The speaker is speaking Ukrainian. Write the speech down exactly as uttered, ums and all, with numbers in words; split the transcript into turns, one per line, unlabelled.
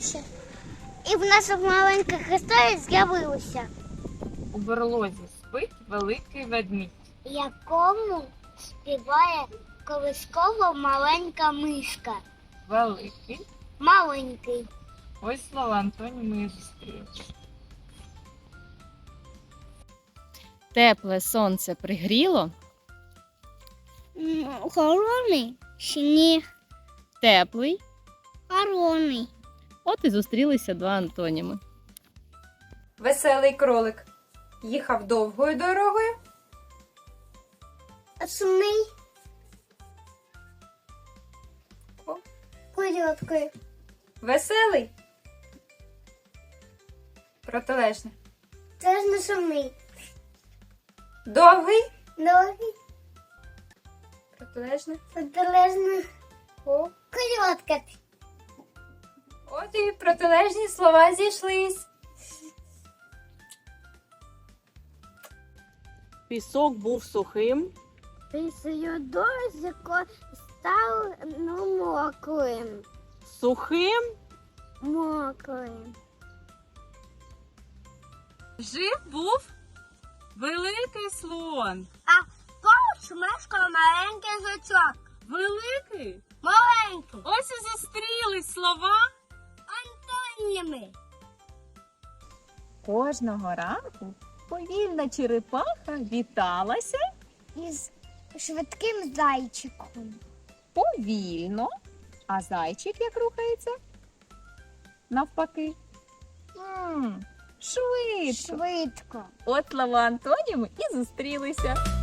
зустрілися. І в нас маленька історія з'явилася.
У берлозі спить великий ведмідь.
Якому співає колисково маленька мишка.
Великий.
Маленький.
Ось слова антоніми і зустріли.
Тепле сонце пригріло,
Холодний сніг.
теплий.
Холодний.
От і зустрілися два антоніми.
Веселий кролик їхав довгою дорогою.
Сумний.
О.
Короткий.
Веселий. Протилежне.
Теж не сумний.
Довгий.
Довгий.
Протилежне.
Протилежно.
О.
Коротка.
От і протилежні слова зійшлись.
Пісок був сухим,
Після дощику став ну, мокрим.
сухим,
Мокрим.
Жив був великий слон.
А поруч мешкав маленький жучок.
Великий?
Маленький.
Ось і зустрілись слова.
Антоніми.
Кожного ранку повільна черепаха віталася
Із швидким зайчиком.
повільно, а зайчик як рухається? Навпаки. М, швидко.
Швидко.
От слова антоніми і зустрілися.